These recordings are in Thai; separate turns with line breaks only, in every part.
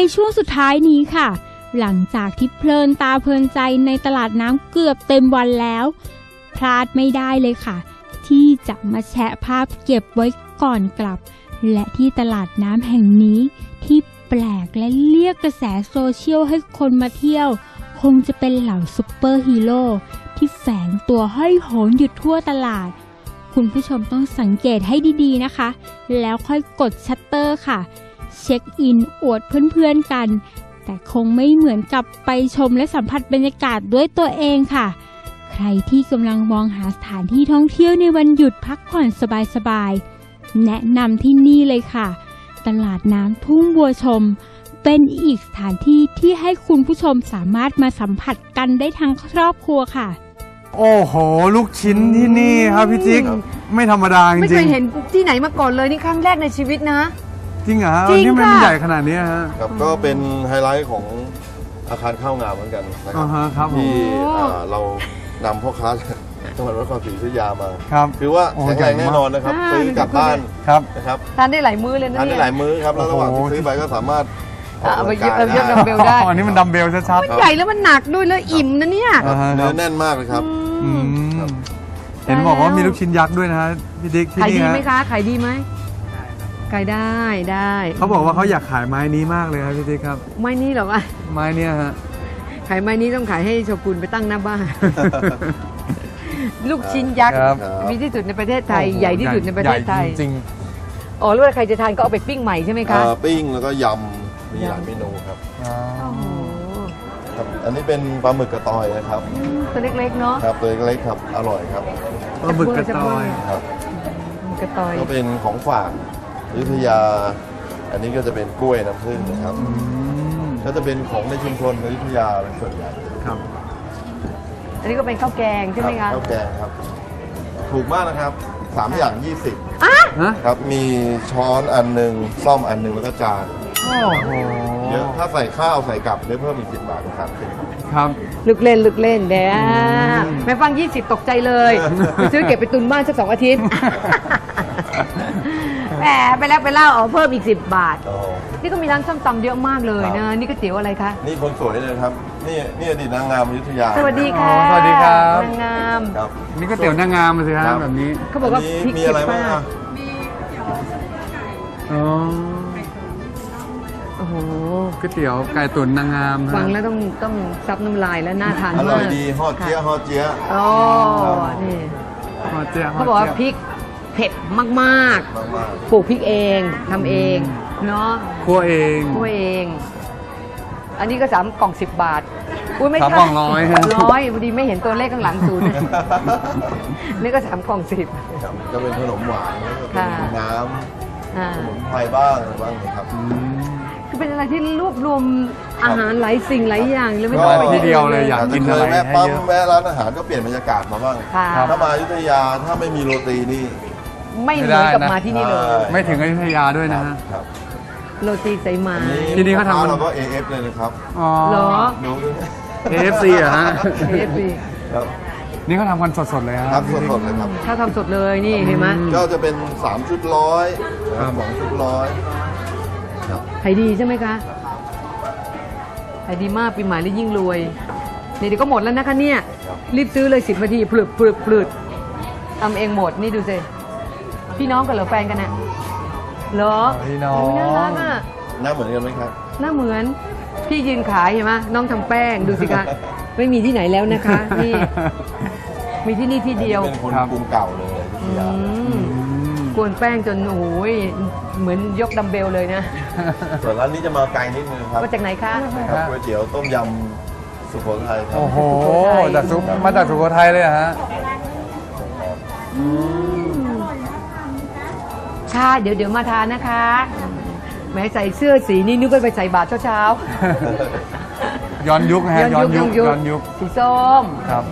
ช่วงสุดท้ายนี้ค่ะหลังจากที่เพลินตาเพลินใจในตลาดน้ำเกือบเต็มวันแล้วพลาดไม่ได้เลยค่ะที่จะมาแชะภาพเก็บไว้ก่อนกลับและที่ตลาดน้ำแห่งนี้ที่แปลกและเรียกกระแสโซเชียลให้คนมาเที่ยวคงจะเป็นเหล่าซุปเปอร์ฮีโร่ที่แฝงตัวห้อยโหนอยู่ทั่วตลาดคุณผู้ชมต้องสังเกตให้ดีๆนะคะแล้วค่อยกดชัตเตอร์ค่ะเช็คอินอวดเพื่อนๆกันแต่คงไม่เหมือนกับไปชมและสัมผัสบรรยากาศด้วยตัวเองค่ะใครที่กำลังมองหาสถานที่ท่องเที่ยวในวันหยุดพักผ่อนสบายๆแนะนำที่นี่เลยค่ะตลาดน้ำทุ่งบัวชมเป็นอีกสถานที่ที่ให้คุณผู้ชมสามารถมาสัมผัสกันได้ทั้งครอบครัวค่ะ
โอ้โหลูกชิ้นที่นี่ครับพี่จิ๊กไม่ธรรมดาจริงๆ
ไม่เคยเห็นที่ไหนมาก่อนเลยนี่ครั้งแรกในชีวิตนะ
จริงเหรอ
จริง
นี่มัน
ค่ะ
ใหญ่ขนาดนี้ฮะ
ครับก็เป็นไฮไลท์ของอาคารข้าวงามเหมือนกันนะ
ครับ
ที่เรานำพ่อค้าจังหวัดนครศรีอยุธยามา
ครับ
คือว่าแข็งแรงแน่นอนนะครับซื้อกลับบ้านนะครับ
ทานได้หลายมื้อเลยนะ
ทานได้หลายมื้อครับแล้วระหว่างที่ซื้อไปก็สามารถ
เอาไปยกดัมเบลได้
อันนี้มันดัมเบลชัด
ๆมันใหญ่แล้วมันหนักด้วยแล้วอิ่มนะเนี่ย
เนื้อแน่นมากเลยครับ
เห็นบอกว่ามีลูกชิ้นยักษ์ด้วยนะฮะพี่ดิ๊กที่นี่
ขายดีไหมคะขายดีไหมขายได้
เขาบอกว่าเขาอยากขายไม้นี้มากเลยครับพี่ดิ๊กครับ
ไม้นี้หรอวะ
ไม้เนี่ยฮะ
ขายไม้นี้ต้องขายให้โชกุนไปตั้งหน้าบ้านลูกชิ้นยักษ์มีที่สุดในประเทศไทยใหญ่ที่สุดในประเทศไทย
จริง
อ๋อแล้วใครจะทานก็เอาไปปิ้งใหม่ใช่ไหมคะ
ปิ้งแล้วก็ยำมีหลายเมนูครับอันนี้เป็นปลาหมึกกระตอยนะครับ
ตัวเล็กๆเนาะ
ครับตัวเล็กๆครับอร่อยครับ
ปลาหมึกกระตอย
ครับ
กระตอย
ก็เป็นของฝากอยุธยาอันนี้ก็จะเป็นกล้วยน้ำผึ้งนะครับก็จะเป็นของในชุมชนอยุธยาเป็นส่วนใหญ่
ครับ
อันนี้ก็เป็นข้าวแกงใช่ไหมคะ
ข้าวแกงครับถูกมากนะครับ3 อย่าง 20ครับมีช้อนอันหนึ่งซ่อมอันหนึ่งแล้วก็จานเยอะถ้าใส่ข้าวใส่กลับได้เพิ่มอีก10 บาทครับ
ครับ
ลึกเล่นเด้แม่ฟัง20ตกใจเลยไปซื้อเก็บไปตุนบ้านสัก2 อาทิตย์แหมไปแล้วไปเล่าเพิ่มอีก10 บาทนี่ก็มีร้านส้มตำเยอะมากเลยนะนี่ก๋วยเตี๋ยวอะไรคะ
นี่คนสวยเลยครับนี่อดีตนางงามอยุธยา
สวัสดีค่ะ
สวัสดีครับ
นางงาม
นี่ก๋วยเตี๋ยวนางงามสิครับแบบนี้
เขาบอกว่าพริก
มีอะไรบ้าง
มี
เตี๋ยว
โอ้โห
ก๋วยเตี๋ยวไก่ตุ๋นนางงาม
ฟังแล้วต้องซับน้ำลายแล้วน่าทานมาก
อร่อยดีฮอดเจี๊ยะ
อ๋อนี่
ฮอดเจี๊ยะ
เขาบอกว่าพริกเผ็ดมากๆปลูกพริกเองทำเองเนาะ
คั่วเอง
อันนี้ก็3 กล่อง 10 บาทอุ้ยไม่ใช่
3 กล่อง100
พอดีไม่เห็นตัวเลขข้างหลังศูนย์นี่ก็3 กล่อง 10
ก็เป็นขนมหวานน้ำขนมไทยบ้างอะไรบ้างครับ
คือเป็นอะไรที่รวบรวมอาหารหลายสิ่งหลายอย่างเลยไม่ต้
องไปที่เดียวเลยอยากกินอะไร
แวะปั๊มแวะร้านอาหารก็เปลี่ยนบรรยากาศมาบ้างถ้ามาอยุธยาถ้าไม่มีโรตีนี่
ไม่เหมือนกับมาที่นี่เลย
ไม่ถึงอยุธยาด้วยนะฮะ
โรตีสายไหม
ที่นี่เขาทำ
เราก็ AF เลยนะครับ
อ๋อ
เหรอ
AFC เหรอฮะ
AFC
ครับ
นี่เขาทำกันสดๆเลย
ครับสดๆเลยครับ
ถ้าทำสดเลยนี่เห็นไหม
ก็จะเป็น3 ชุด100 2 ชุด100
ขายดีใช่ไหมคะขายดีมากปีใหม่แล้วยิ่งรวยนี่เดี๋ยวก็หมดแล้วนะคะเนี่ยรีบซื้อเลย10 นาทีปลืดทำเองหมดนี่ดูสิพี่น้องกันเหรอแฟนกันน่ะเหรอ
พี่น้อง
น่ารักอ่ะ
หน้าเหมือนกันไหมครับ
หน้าเหมือนพี่ยืนขายเห็นไหมน้องทำแป้งดูสิคะไม่มีที่ไหนแล้วนะคะนี่มีที่นี่ที่เดียว
เป็นคนกรุงเก่าเลย
กวนแป้งจนโอ้ยเหมือนยกดัมเบลเลยนะ
ส่วนร้านนี้จะมาไกลนิดนึงครับ
มาจากไหนคะ
ครับก๋วยเตี๋ยวต้มยำสุโขทัยครับ
โอ้โหมาจากสุโขทัยเลยฮะ
ชาเดี๋ยวมาทานนะคะแม้ใส่เสื้อสีนี้นึกว่าไปใส่บาตรเช้า
ย้อนยุคฮะย้อนยุค
สีส้ม
ครับ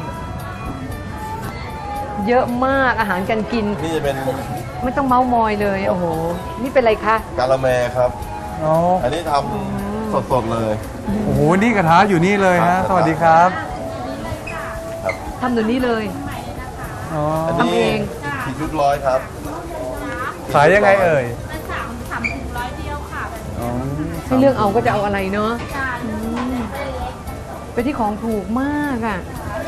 เยอะมากอาหารการกิน
นี่จะเป็น
ไม่ต้องเมาส์มอยเลยโอ้โหนี่เป็นอะไรคะ
กาละแมครับอันนี้ทำสดๆเลย
โอ้โหนี่กระทะอยู่นี่เลยฮะสวัสดีครับ
ทำตัวนี้เลย
ทำเอง4 ชุด100ครับ
ขายยังไงเอ่ย
3 ถุง100 เดียวค่ะ
ให้เลือกเอาก็จะเอาอะไรเนาะไปที่ของถูกมากอ่ะ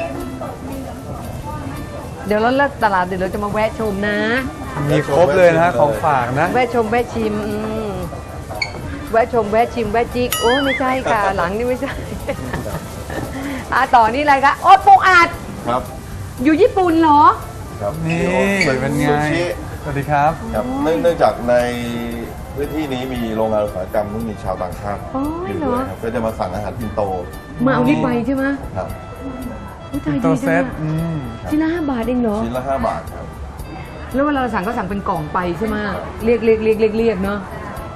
เดี๋ยวเราเลิกตลาดเดี๋ยวเราจะมาแวะชมนะ
มีครบเลยนะฮะของฝากนะ
แวะชมแวะชิมแวะชมแวะชิมแวะจิกโอ้ไม่ใช่ค่ะหลังนี่ไม่ใช่ ต่อนี่อะไรคะโอ้ปูอัด
ครับ
อยู่ญี่ปุ่นเหรอ
ครับ
นี่ เป็นไง
ซูชิ
สวัสดีครับ
ครับเนื่องจากในพื้นที่นี้มีโรงงานอุตสาหกรรมที่มีชาวต่างชาติ
อ๋อ
อยู่
เหร
ด้
อ
วยครับก็จะมาสั่งอาหารปินโต
มาเอานี่ไปใช่ไหม
ครับ
อุ๊ยตาย
ตั
ดี
ว
จั
เซ็
ง
ต
อะชิ้นละ5 บาทเองเหรอ
ชิ้นละ5 บาทครับ
แล้วเวลาเราสั่งก็สั่งเป็นกล่องไปใช่ไหมเรียกเนาะ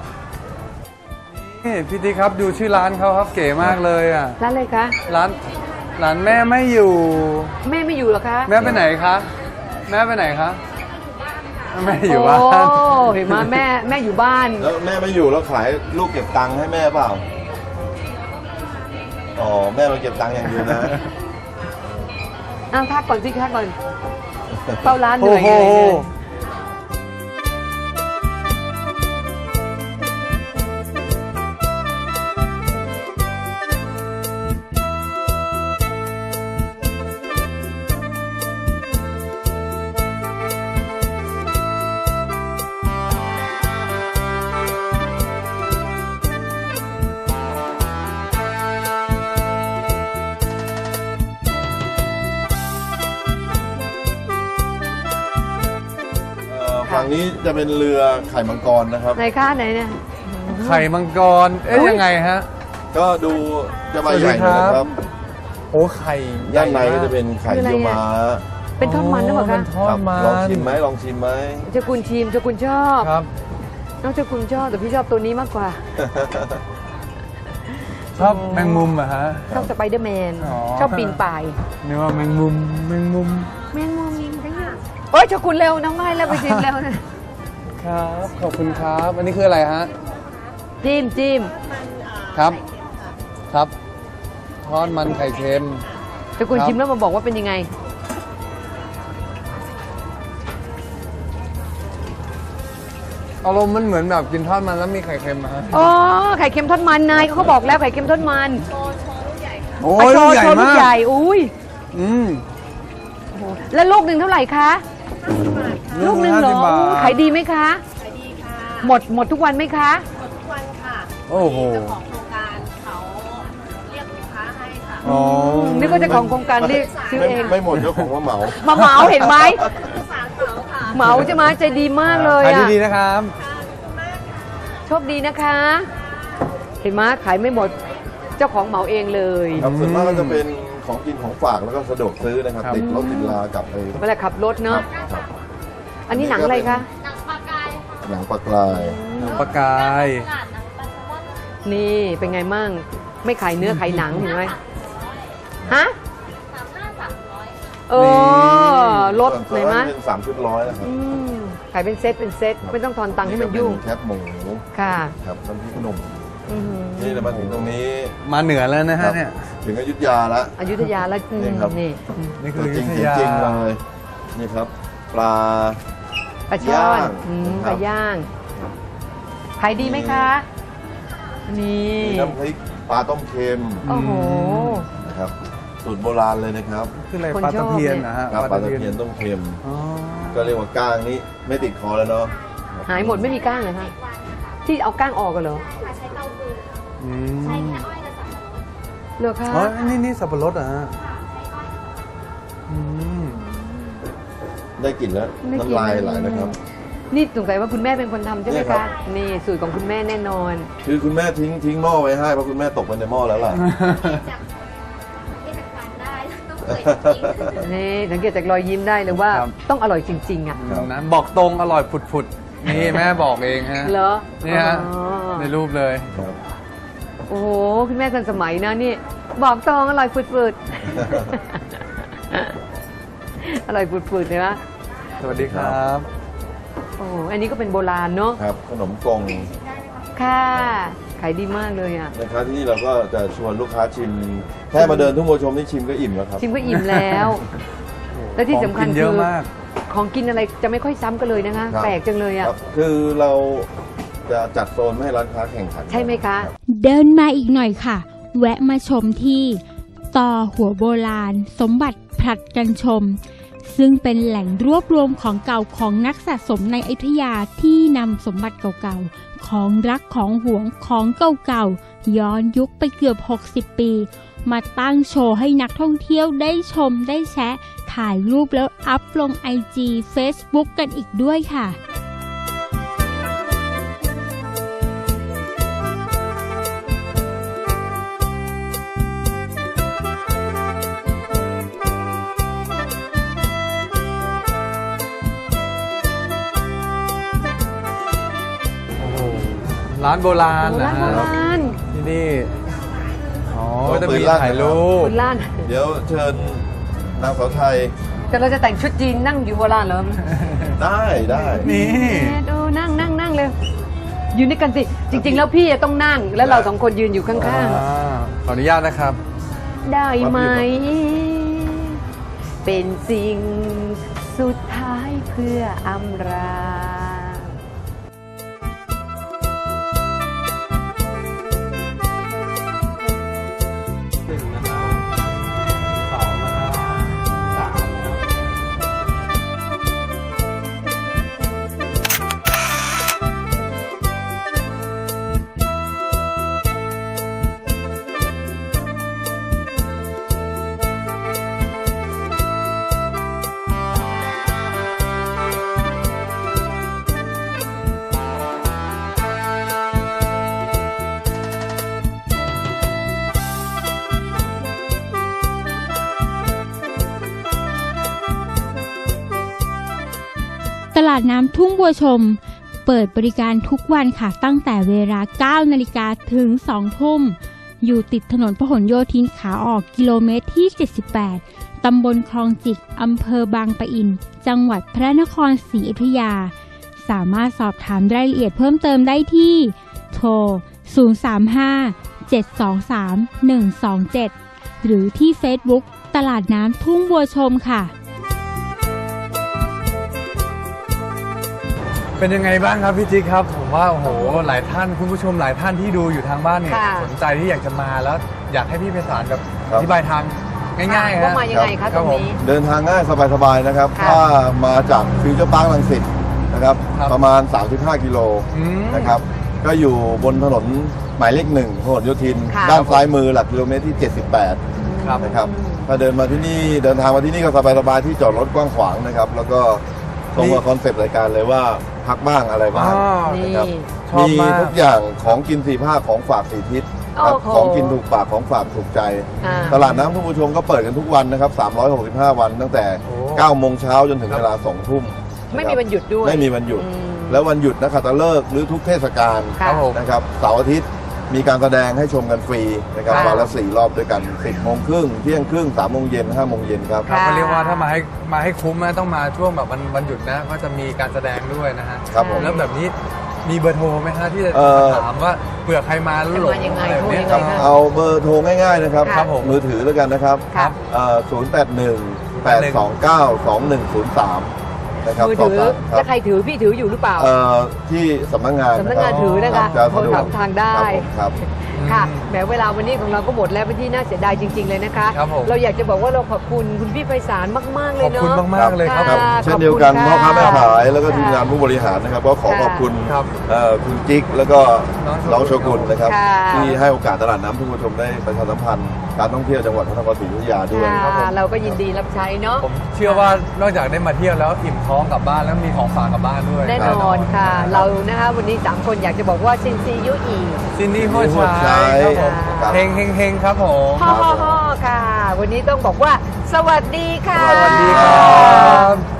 นี่พี่ติ๊กครับดูชื่อร้านเขาครับเก๋มากเลยอ่ะ
ร้านอะไรคะ
ร้านแม่ไม่อยู่
แม่ไม่อยู่เหรอคะ
แม่ไปไหนคะ แม่ไปไหนคะ แม่อยู่บ้าน
โอ้เห็นไหมแม่อยู่บ้าน
แล้วแม่ไม่อยู่แล้วขายลูกเก็บตังค์ให้แม่เปล่า อ๋อแม่มาเก็บตังค์อย่างเดียวนะ
พักก่อนสิพักก่อนเฝ้าร้านเห
โอ้
นื่อย
โห
เหนื่อย
ฝั่งนี้จะเป็นเรือไข่มังกรนะครับ
ไหนคะไหนเนี่ย
ไข่มังกร เอ๊ะยังไงฮะ
ก็ดูจะใบใหญ่หน่อยนะครับ
โอ้ไข่
ด้านในก็จะเป็นไข่เยี่ยวม้า
เป็นทอดมันหรือเปล่า
เป็
คะ
นทอดมัน
ลองชิมไหมลองชิมไหม
เจ้าคุณชิมเจ้าคุณชอบ
ครับ
น้องเจ้าคุณชอบแต่พี่ชอบตัวนี้มากกว่า
ชอบแมงมุมเหรอะฮะ
ชอบสไปเดอร์แมน
อ๋อ
ชอบปีนป่าย
นึกว่าแมงมุม
แมงมุมโอ้ยเจ้าคุณเร็วน้องง่ายแล้วไปชิมเร็วนะ
ครับ ขอบคุณครับ อันนี้คืออะไรฮะ
จิ้ม
ครับ ครับ ทอดมันไข่เค็ม
เจ้าคุณ
ครับ
ชิมแล้วมาบอกว่าเป็นยังไง
อารมณ์มันเหมือนแบบกินทอดมันแล้วมีไข่เค็มอะฮะ
อ๋อไข่เค็มทอดมันนายเขาบอกแล้วไข่เค็มทอดมัน
โอ้
อ่ะ
ย
โช
ลูก
ว์
ใหญ่
โชว์ลู
มาก
ใหญ่อุ้ย
อืม
โอ้โหแล้วลูกหนึ่งเท่าไหร่คะลูกหนึ่งเหรอ
50 บาท
ขายดีไหมคะขายดีค่ะหมดทุกวันไหมคะ
โอ้โห
ของโครงการเขาเรียกลูกค้าให้ค่ะ
อ๋อ
นี่ก็เจะของโครงการเรียกซื้อเอง
ไม่หมดเจ้าของว่าเหมา
มาเหมาเห็นไหม
สารเขาค่ะ
เหมาใช่ไหมใจดีมากเลย
ขาย
อ่ะ
ดีๆนะครับ
โชคดีนะคะ เห็นไหมขายไม่หมดเจ้าของเหมาเองเลย
ครับส่วนมากก็จะเป็นของกินของฝากแล้วก็สะดวกซื้อนะครับ
ครับ
ติดรถติดลากลับไป
เวลาขับรถเนาะ
ครับ
อันนี้หนังอะไรคะ
หนังปลากราย
ปลากาย
นี่เป็นไงมั่ง ไม่ขายเนื้อขายหนังเห็นไหมฮะเออลด
ส่วน
ไหน
ส่วน
มะ
นั้นเป็น3 ชุดร้อยนะครับ
ขายเป็นเซตไม่ต้องทอนตังค์ให้มันยุ่ง
แคบหมู
ค่ะ
ครับน้ำพริกหนุ่ม
อื้อหือ
นี่เรามาถึงตรงนี้
มาเหนือแล้วนะ
ครั
ฮะ
บ
เนี่ย
ถึงอยุธยาแล้ว
อยุธยาแล้ว
นี่ครับ
นี่
นี่คือ
จ
อ
ริ
ยุ
ง
ธ
ๆ
ยา
จริงๆเลยนี่ครับ ปลา
ปลาช่อน
ย่าง
ปลาย่างขายดีไหมคะ นี่
มีน้ำพริกปลาต้มเค็ม
โอ้โห
นะครับสูตรโบราณเลยนะครับ
คืออะไร
คน
ปลา
ชอบ
ตะเพียน
เนี่ย
นะฮะ
ครับปลาตะเพียนต้มเค็ม
อ๋อ
ก็เรียกว่าก้างนี้ไม่ติดคอแล้วเนาะ
หายหมดไม่มีก้างเลยคะที่เอาก้างออกกันเหรอ
อืม
เหรอคะ
อ๋อนี่สับปะรดเหรอ่ะอืม
ได้กลิ่นแล้วน้ำลายไหลนะครับ
นี่สงสัยว่าคุณแม่เป็นคนทำใช่ไหม
เนี่ยครั
คะ
บ
นี่สูตรของคุณแม่แน่นอน
คือคุณแม่ทิ้งหม้อไว้ให้เพราะคุณแม่ตกไปในหม้อแล้วล่ะ
นี่สังเกตจากรอยยิ้มได้เลยว่า
ครับ
ต้องอร่อยจริงๆอ่ะ
นะบอกตรงอร่อยผุดๆ นี่แม่บอกเองฮะ
เหรอ
นี่ฮะ
อ๋อ
ในรูปเลย
ครับ
โอ้โหคุณแม่ทันสมัยนะนี่ บอกตรงอร่อยฝืดๆ อร่อยฝืดๆเลยนะ
สวัสดีครับ
โอ้อันนี้ก็เป็นโบราณเนาะ
ครับขนมกง
ค่ะ ขายดีมากเลยอ่ะ
นะครับที่นี่เราก็จะชวนลูกค้าชิม แค่มาเดินทุ่งโมชมนี่ชิมก็อิ่มแล้วครับ
ชิมก็อิ่มแล้ว และที่สำคัญ
ของกินเย
คื
อะ
อ
มาก
ของกินอะไรจะไม่ค่อยซ้ำกันเลยนะคะ
ครับ
แปลกจังเลยอ่ะ
ครับคือเราจะจะจัดโซนไม่ให้ร้านค้าแข่งขัน
ใช่ไหมคะ
เดินมาอีกหน่อยค่ะ แวะมาชมที่ต่อหัวโบราณ สมบัติผลัดกันชม ซึ่งเป็นแหล่งรวบรวมของเก่าของนักสะสมในอยุธยาที่นำสมบัติเก่าๆของรักของหวงของเก่าๆย้อนยุคไปเกือบ60 ปี มาตั้งโชว์ให้นักท่องเที่ยวได้ชมได้แชะถ่ายรูปแล้วอัพลง IG Facebook กันอีกด้วยค่ะ
โอ้โหร้านโบราณนะ
ร้านโบ
ฮะ
ราณ
ที่นี่อ๋อจะมีถ่ายรูป
โบราณ
เดี๋ยวเชิญนางสาวไทย
แต่เราจะแต่งชุดจีนนั่งอยู่โบราณเหรอ
ได้ได้
นี่
ดูนั่งเลยยืนด้วยกันสิ จริง ๆ แล้วพี่จะต้องนั่ง แล้วเราสองคนยืนอยู่ข้าง
ขออนุญาตนะครับ
ๆ ได้ไหม เป็นสิ่งสุดท้ายเพื่ออำลา
ตลาดน้ำทุ่งบัวชม เปิดบริการทุกวันค่ะตั้งแต่เวลา 9 นาฬิกาถึง 2 ทุ่ม อยู่ติดถนนพหลโยธินขาออกกิโลเมตรที่ 78 ตำบลคลองจิก อำเภอบางปะอิน จังหวัดพระนครศรีอยุธยา สามารถสอบถามรายละเอียดเพิ่มเติมได้ที่ โทร 035-723-127 หรือที่ Facebook ตลาดน้ำทุ่งบัวชมค่ะ
เป็นยังไงบ้างครับพี่จิ๊กครับผมว่าโอ้โหหลายท่านคุณผู้ชมหลายท่านที่ดูอยู่ทางบ้านเนี่ย
ค่ะ
สนใจที่อยากจะมาแล้วอยากให้พี่ไพศาลแบบ
ครับ
อธิบายทางง่ายๆ
ว่า
ฮะ
มายังไงคะตรงนี้
เดินทางง่ายสบายๆนะครับ
ค่ะ
ถ้ามาจากฟิวเจอร์พาร์ครังสิตนะครับ
ครับ
ประมาณ 35 กิโล
อืม
นะครับ ก็อยู่บนถนนหมายเลข1พหลโยธิน
ค่ะ
ด้านซ้ายมือหลักกิโลเมตรที่ 78
ครับ
นะครับ ถ้าเดินทางมาที่นี่ก็สบายๆที่จอดรถกว้างขวางนะครับ แล้วก็ตรงกับคอนเซปต์รายการเลยว่าพักบ้างอะไรบ้าง
นี่
นะครับ
ชอบ
มี
มาก
ทุกอย่างของกินสี่ภาคของฝากสี่ทิศครับ
โอ้โห
ของกินถูกปากของฝากถูกใจ
อ่า
ตลาดน้ำทุ่งบัวชมก็เปิดกันทุกวันนะครับ 365 วันตั้งแต่
โอ้
9 โมงเช้าจนถึงเวลา 2 ทุ่ม
ไม่มีวันหยุดด้วย
ไม่มีวันหยุด
อืม
แล้ววันหยุดนักขัตฤกษ์หรือทุกเทศกาล
ค่ะ
ครับผม
นะครับเสาร์อาทิตย์มีการแสดงให้ชมกันฟรีนะครับ
ค่ะ
วันละ 4 รอบด้วยกัน 10 โมงครึ่งเที่ยงครึ่ง 3 โมงเย็น 5 โมงเย็นครับ
ค่ะ
มันเรียกว่าถ้ามาให้คุ้มนะต้องมาช่วงแบบวันหยุดนะก็จะมีการแสดงด้วยนะฮะ
ครับผม
แล้วแบบนี้มีเบอร์โทรไหมฮะที่จะ ถามว่าเผื่อใครมาแล้วหลง
จะมายังไง
อะไรแบบเนี้ย
โทร
ค
ยั
รับ
งไง
เอาเบอร์โทรง่ายๆนะครับ
ครับ
ผม
มือถือแล้วกันนะครับ
ครับ
081-829-2103 นะครับ
มือ
สอบ
ถือ
ถามครั
ถ้าใครถือพี่ถืออยู่หรือเปล่า
ที่สำนักงาน
สำนักงานถือนะคะ
จะ
โทร
สะดว
ถาก มทางได้
ครับ
ค่ะแหมเวลาวันนี้ของเราก็หมดแล้วเป็นที่น่าเสียดายจริง ๆ เลยนะคะ
ครับผม
เราอยากจะบอกว่าเราขอบคุณคุณพี่ไพศาลมาก ๆ เล
ข
ย
อบ
เนาะ
คุณมากๆเลยครับ
ครับ
ค่ะ
เช่นเดียวกัน
ข
พ่
อ
อบ
คุณ
ค้าแม่
ค่ะ
ขายแล้วก็ทีมงานผู้บริหารนะครับ ก็ขอ
ค่ะ
ขอบคุณ
ครับ
คุณจิ๊กแล้วก็
น้
น้
อ
อง ง
โช
โช
กุ
กุ
น
นนะครับ
ค่ะ
ที่ให้โอกาสตลาดน้ำทุ่งบัวชมได้ประชาสัมพันธ์การท่องเที่ยวจังหวัดพระนครศรีอยุธยาด้วย
ค่ะ
ครับผม
เราก็ยินดีรับใช้เนาะ
ผมเชื่อว่านอกจากได้มาเที่ยวแล้วอิ่มท้องกลับบ้านแล้วมีของฝากกลับบ้านด้วย
แน่นอนค่ะ เรานะคะวันนี้ 3 คนอยากจะบอกว่าซินซียุอี
ซินดี้โฮ
โฮ
ชา
ชาย
ยครับผม
ครับ
ค
เฮงครับผม
ฮ่อค่ะ วันนี้ต้องบอกว่า สวัสดีค่ะ
สวัสดีครับ